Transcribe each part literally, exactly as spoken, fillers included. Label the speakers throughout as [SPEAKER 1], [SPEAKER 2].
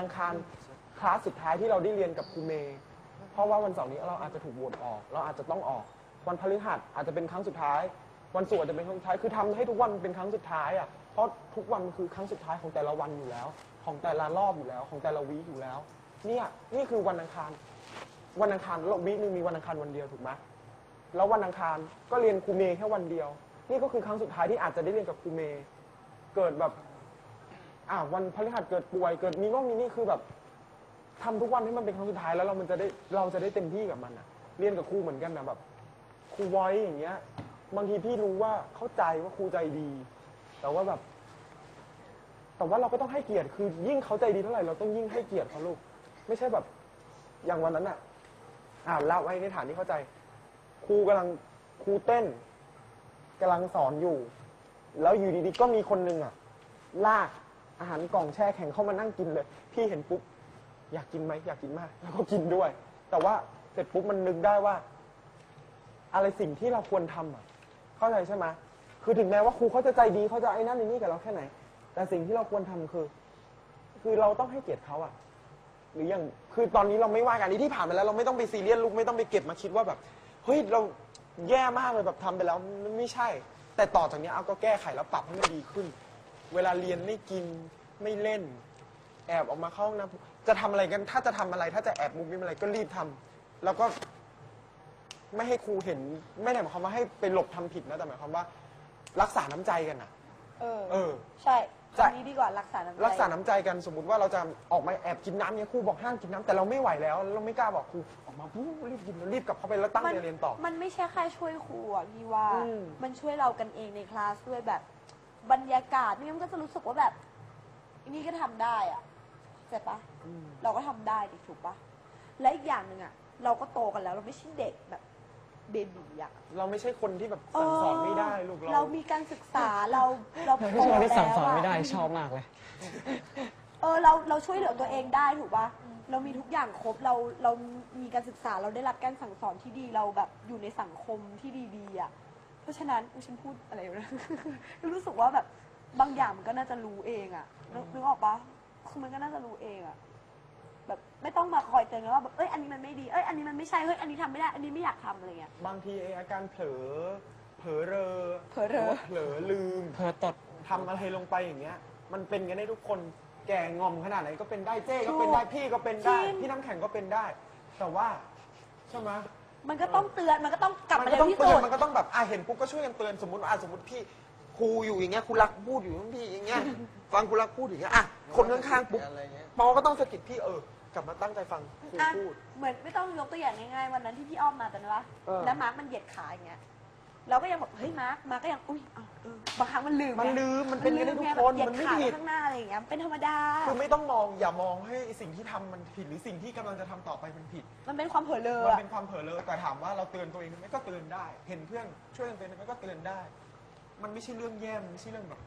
[SPEAKER 1] อังคารคลาสสุดท้ายที่เราได้เรียนกับครูเมย์เพราะว่าวันเสาร์นี้เราอาจจะถูกโหวตออกเราอาจจะต้องออกวันพฤหัสอาจจะเป็นครั้งสุดท้ายวันศุกร์อาจจะเป็นครั้งสุดท้ายคือทำให้ทุกวันเป็นครั้งสุดท้ายอ่ะเพราะทุกวันมันคือครั้งสุดท้ายของแต่ละวันอยู่แล้วของแต่ละรอบอยู่แล้วของแต่ละวีคอยู่แล้วเนี่ยนี่คือวันอังคารวันอังคารเราวีคนึงมีวันอังคารวันเดียวถูกไหมแล้ววันอังคารก็เรียนครูเมย์แค่วันเดียวนี่ก็คือครั้งสุดท้ายที่อาจจะได้เรียนกับครูเมย์เกิดแบบอ่าวันพฤหัสเกิดป่วยเกิดมีโน่นมีนี่คือแบบทำทุกวันให้มันเป็นครั้งสุดท้ายแล้วเรามันจะได้เราจะได้เต็มที่กับมันอ่ะเรียนกับครูเหมือนกันนะแบบครูไว้อย่างเงี้ยบางทีพี่รู้ว่าเข้าใจว่าครูใจดีแต่ว่าแบบแต่ว่าเราก็ต้องให้เกียรติคือยิ่งเขาใจดีเท่าไหร่เราต้องยิ่งให้เกียรติเขาลูกไม่ใช่แบบอย่างวันนั้นอ่ะอ่าเล่าไว้ในฐานที่เข้าใจครูกำลังครูเต้นกำลังสอนอยู่แล้วอยู่ดีๆก็มีคนหนึ่งอ่ะลากอาหารกล่องแช่แข็งเข้ามานั่งกินเลยพี่เห็นปุ๊บอยากกินไหมอยากกินมากแล้วก็กินด้วยแต่ว่าเสร็จปุ๊บมันนึกได้ว่าอะไรสิ่งที่เราควรทำอ่ะเข้าใจใช่ไหมคือถึงแม้ว่าครูเขาจะใจดีเขาจะไอ้นั่นไอ้นี่กับเราแค่ไหนแต่สิ่งที่เราควรทำคือคือเราต้องให้เกียรติเขาอ่ะหรืออย่างคือตอนนี้เราไม่ว่ากันนี้ที่ผ่านมาแล้วเราไม่ต้องไปซีเรียสลูกไม่ต้องไปเก็บมาคิดว่าแบบเฮ้ยเราแย่มากเลยแบบทำไปแล้วไม่ใช่แต่ต่อจากนี้เอาก็แก้ไขแล้วปรับให้มันดีขึ้นเวลาเรียนไม่กินไม่เล่นแอบออกมาเข้าห้องน้ำจะทำอะไรกันถ้าจะทำอะไรถ้าจะแอบมุกมิมอะไรก็รีบทำแล้วก็ไม่ให้ครูเห็นไม่ได้หมายความว่าให้ไปหลบทำผิดนะแต่หมายความว่ารักษาน้ำใจกันอ่ะ
[SPEAKER 2] เออ
[SPEAKER 1] เออ
[SPEAKER 2] ใช่อันนี้ดีกว่ารักษาน้ำใจ
[SPEAKER 1] รักษาน้ำใจกันสมมติว่าเราจะออกมาแอบกินน้ำเนี่ยครูบอกห้ามกินน้ำแต่เราไม่ไหวแล้วเราไม่กล้าบอกครูออกมาปุ๊บรีบกินรีบกลับเข้าไปแล้วตั้งใจเรียนต่อ
[SPEAKER 2] มันไม่ใช่แค่ช่วยครูอ่ะพี่ว่า
[SPEAKER 1] อืม
[SPEAKER 2] มันช่วยเรากันเองในคลาสด้วยแบบบรรยากาศนี่มันก็จะรู้สึกว่าแบบอันนี้ก็ทำได้อ่ะเสร็จปะเราก็ทำได้ดิถูกปะและอีกอย่างหนึ่งอ่ะเราก็โตกันแล้วเราไม่ใช่เด็กแบบเบบีอ่ะ
[SPEAKER 1] เราไม่ใช่คนที่แบบสั่งสอนไม่ได้ลูก
[SPEAKER 2] เรา
[SPEAKER 1] เรา
[SPEAKER 2] มีการศึกษาเราเราโต
[SPEAKER 3] ไม่ใช่คนที่สั่งสอน
[SPEAKER 2] แล้วะ
[SPEAKER 3] ไม่ได้ชอบมากเลย
[SPEAKER 2] เออเราเราช่วยเหลือตัวเองได้ถูกปะเรามีทุกอย่างครบเราเรามีการศึกษาเราได้รับการสั่งสอนที่ดีเราแบบอยู่ในสังคมที่ดีๆอ่ะเพราะฉะนั้นอุ๊ยฉันพูดอะไรอยู่นะ รู้สึกว่าแบบบางอย่างมันก็น่าจะรู้เองอ่ะนึกนึกออกปะคือมันก็น่าจะรู้เองอ่ะแบบไม่ต้องมาคอยเตือนกันว่าแบบเอ้ยอันนี้มันไม่ดีเอ้ยอันนี้มันไม่ใช่เฮ้ยอันนี้ทำไม่ได้อันนี้ไม่อยากทำอะไรเงี้ย
[SPEAKER 1] บางทีไอ้อาการเผลอเผลอเรอ
[SPEAKER 2] เผลอเรอ
[SPEAKER 1] เผลอลืม
[SPEAKER 3] เพอตด
[SPEAKER 1] ทำอะไรลงไปอย่างเงี้ยมันเป็นกันได้ทุกคนแก่งอมขนาดไหนก็เป็นได้เจ้ก็เป็นได้พี่ก็เป็นได้พี่น้ำแข็งก็เป็นได้แต่ว่าใช่ไหม
[SPEAKER 2] มันก็ต้องเตือนมันก็ต้องกลับ
[SPEAKER 1] มัน
[SPEAKER 2] มา
[SPEAKER 1] ก็
[SPEAKER 2] เร็
[SPEAKER 1] ต้อ
[SPEAKER 2] ว
[SPEAKER 1] ง
[SPEAKER 2] ที่
[SPEAKER 1] เตื
[SPEAKER 2] สุ
[SPEAKER 1] อน
[SPEAKER 2] ด
[SPEAKER 1] มันก็ต้องแบบอ่ะเห็นปุ๊บก็ช่วยกันเตือนสมมติว่าอ่ะสมมติพี่ครูอยู่อย่างเงี้ยครูรักพูดอยู่พี่อย่างเงี้ยฟังครูรักพูดอย่างเงี้ยอ่ะคนข้างๆปุ๊บปอก็ต้องสะกิดพี่เออกลับมาตั้งใจฟังครู
[SPEAKER 2] อ่ะ
[SPEAKER 1] พูด
[SPEAKER 2] เหมือนไม่ต้องยกตัวอย่างง่ายๆวันนั้นที่พี่อ้อมมาแต่นะวะ
[SPEAKER 1] เออ
[SPEAKER 2] แล้วมาร์คมันเหยียดขาอย่างเงี้ยเราก็ยังแบบเฮ้ยมาร์คมาร์คก็ยังอุ้ยอ้าวเออบางครั้งมันลืม
[SPEAKER 1] มัน
[SPEAKER 2] ไง
[SPEAKER 1] ลืมมันเป็นกันได้ทุกคน
[SPEAKER 2] เหยีย
[SPEAKER 1] มั
[SPEAKER 2] ด
[SPEAKER 1] นไม่
[SPEAKER 2] ขา
[SPEAKER 1] ผิด
[SPEAKER 2] ข้างหน้าอะไรอย่างเงี้ยเป็นธรรมดา
[SPEAKER 1] คือไม่ต้องมองอย่ามองให้สิ่งที่ทำมันผิดหรือสิ่งที่กำลังจะทำต่อไปมันผิด
[SPEAKER 2] มันเป็นความเผลอเลอ
[SPEAKER 1] มัน
[SPEAKER 2] อะ
[SPEAKER 1] เป็นความเผลอเลยแต่ถามว่าเราเตือนตัวเองไหมก็เตือนได้ เห็นเพื่อนช่วยกันเตือนไหมก็เตือนได้ มันไม่ใช่เรื่องแย่มันไม่ใช่เรื่องแบบ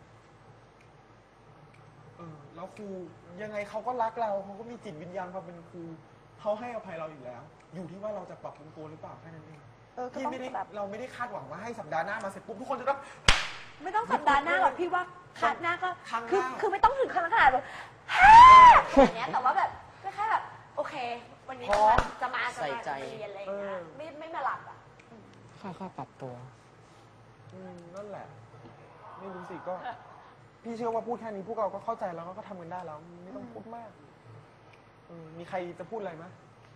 [SPEAKER 1] เออแล้วครูยังไงเขาก็รักเราเขาก็มีจิตวิญญาณความเป็นครูเขาให้อภัยเราอยู่แล้ว อยู่ที่ว่าเราจะปรับปรุงตัวหรือเปล่าแค่นั้นเอง
[SPEAKER 2] เออก็
[SPEAKER 1] พี่
[SPEAKER 2] ต้อง
[SPEAKER 1] ไม่ได้
[SPEAKER 2] แบบ
[SPEAKER 1] เราไม่ได้คาดหวังว่าให้สัปดาห์หน้ามาเสร็จปุ๊บทุกคนจะต้อง
[SPEAKER 2] ไม่ต้องสัปดาห์หน้าหรอกพี่ว่าคาดหน้าก็
[SPEAKER 1] ครั้งหน้า
[SPEAKER 2] คือคือไม่ต้องถึงขนาดขนาดแบบฮ่าอย่างเงี้ยแต่ว่าแบบก็แค่แบบโอเค วันนี้จะมาจะมาจะ
[SPEAKER 3] ใส่
[SPEAKER 2] มา
[SPEAKER 3] ใจ
[SPEAKER 2] จะมาเรียนอะไรอย่างเงี้ยไม่ไม่มาหลับอ่ะ
[SPEAKER 3] ค่อยๆปรับตัว
[SPEAKER 1] อืมนั่นแหละ ไม่รู้สิก็ พี่เชื่อว่าพูดแค่นี้พวกเราก็เข้าใจแล้วก็ทำกันได้แล้วไม่ต้องพูดมากเออมีใครจะพูดอะไรไหม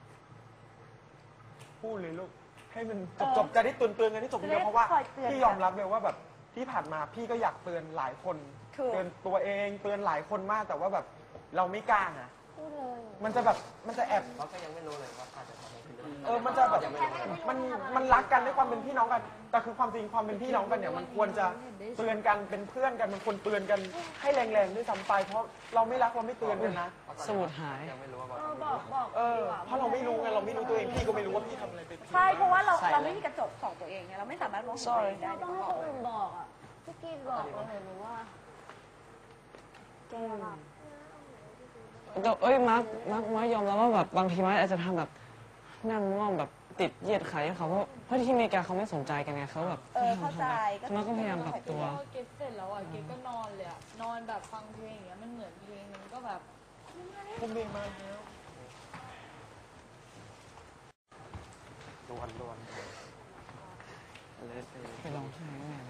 [SPEAKER 1] พูดเลยลูกให้มันจบจบจะได้เตือนเตือนกันที่จบเดียวเพราะว่าพี่ยอมรับเลยว่าแบบที่ผ่านมาพี่ก็อยากเตือนหลายคน เตือนตัวเองเตือนหลายคนมากแต่ว่าแบบเราไม่กล้าอ่ะ
[SPEAKER 2] พูดเลย
[SPEAKER 1] มันจะแบบมันจะแอบ
[SPEAKER 4] เขาก็ยังไม่รู้เลยว่าอาจจะทำอะไรผิด
[SPEAKER 1] เออมันจะแบบมันมันรักกันด้วยความเป็นพี่น้องกัน แต่คือความจริงความเป็นพี่น้องกันเนี่ยมันควรจะเตือนกันเป็นเพื่อนกันมันควรเตือนกันให้แรงๆด้วยซ้ำไปเพราะเราไม่รักเราไม่เตือนกันนะ
[SPEAKER 3] สมุดหาย
[SPEAKER 4] ยังไม่รู้ว่า
[SPEAKER 2] เออบอกบอก
[SPEAKER 1] เออเพราะเราไม่รู้ไงเราไม่รู้ตัวเองพี่ก็ไม่รู้ว่าพี่ทำอะไรไปผิด
[SPEAKER 2] ใช่เพราะว่าเรา
[SPEAKER 3] ใช่
[SPEAKER 2] เราไม่มีกระจกส่องตัวเองไงเราไม่สามารถมองเห็นตัวเองได้
[SPEAKER 5] ต้องให้คนอื่นบอกอ่ะพี่กีนบอกเราเห็นว่าแกอะ
[SPEAKER 3] แต่เอ้ยมาร์คมาร์คมาร์คยอมรับว่าแบบบางทีมาร์คอาจจะทำแบบนั่งง่วงแบบติดเหยียดขาให้เขาเพราะเพราะที่อเมริกาเขาไม่สนใจกันไงเขาแบบ
[SPEAKER 2] เออเข้าใจ
[SPEAKER 3] มาร์คก็พยายามปรับตัว
[SPEAKER 5] พอเก็บเสร็จแล้วอ่ะเก็บก็นอนเลยอ่ะนอนแบบฟังเพลงอย่างเงี้ยมันเหมือนเพลงมันก็แบบ
[SPEAKER 1] ครูเมย์มาแล้วดวนดวน
[SPEAKER 3] ไปร้องไห้แม่